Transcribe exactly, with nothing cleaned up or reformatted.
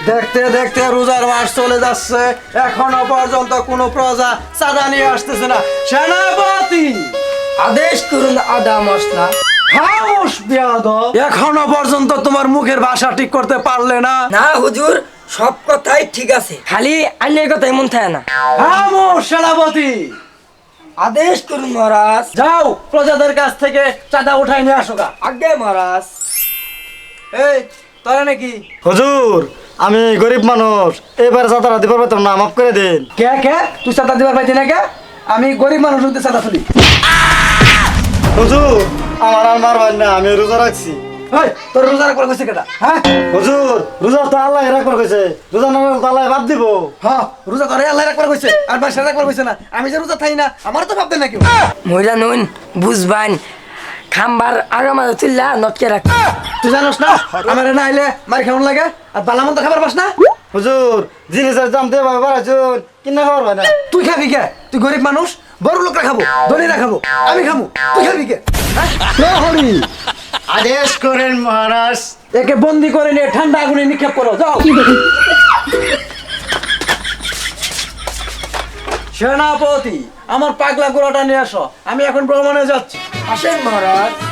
দেখতে দেখতে রোজার মাস চলে যাচ্ছে, এখনো পর্যন্ত কোনো প্রজা চাঁদা নিয়ে আসতেছে না। সেনাপতি আদেশ করুন আদা মশলা। খামোশ বেয়াদব, এখনো পর্যন্ত তোমার মুখের ভাষা ঠিক করতে পারলে না। না হুজুর, সব কথাই ঠিক আছে, খালি আইনের কথাই মন থাকে না। খামোশ সেনাপতি, আদেশ করুন মহারাজ। যাও প্রজাদের কাছ থেকে চাঁদা উঠাই নিয়ে আসো গা। আগে মহারাজ। এই তোরা নাকি হুজুর আমি গরিব মানুষ, এবার চাঁদা দিতে পারবেন না, মাফ করে দিন। কে কে তুই চাঁদা দিবার পাইতি না কে? আমি গরিব মানুষ হতে চাঁদা তুলি। হুজুর আমার আর মারবেন না, আমি রোজা রাখছি। এই তোর রোজা রাখবার কইছে কেটা? হ্যাঁ হুজুর রোজা তো আল্লাহ রাখবার কইছে, রোজা না রাখলে তো আল্লাহ বাদ দিব। হ্যাঁ রোজা করে আল্লাহ রাখবার কইছে, আর বাসা রাখবার কইছে না। আমি যে রোজা থাই না, আমার তো ভাবতে না কেউ। মহিলা নুন বুঝবান, খাম্বার আগা মাঝে তুললা নটকে রাখ। তুই জানোস না আমার না আইলে মার কেমন লাগে, আর বালামন্ত খাবার পাস না। হুজুর জিনিসের দাম দিয়ে বাড়াইছুন, কিনা খাবার হয় না। তুই খাবি কে? তুই গরিব মানুষ, বড় লোকরা খাবো, ধনীরা খাবো, আমি খাবো, তুই খাবি কে? হ্যাঁ? প্রহরী, আদেশ করেন মহারাজ। একে বন্দি করে নিয়ে ঠান্ডা আগুনে নিক্ষেপ করো, যাও। সেনাপতি আমার পাগলা গোড়াটা নিয়ে আসো, আমি এখন ভ্রমণে যাচ্ছি। আসেন মহারাজ।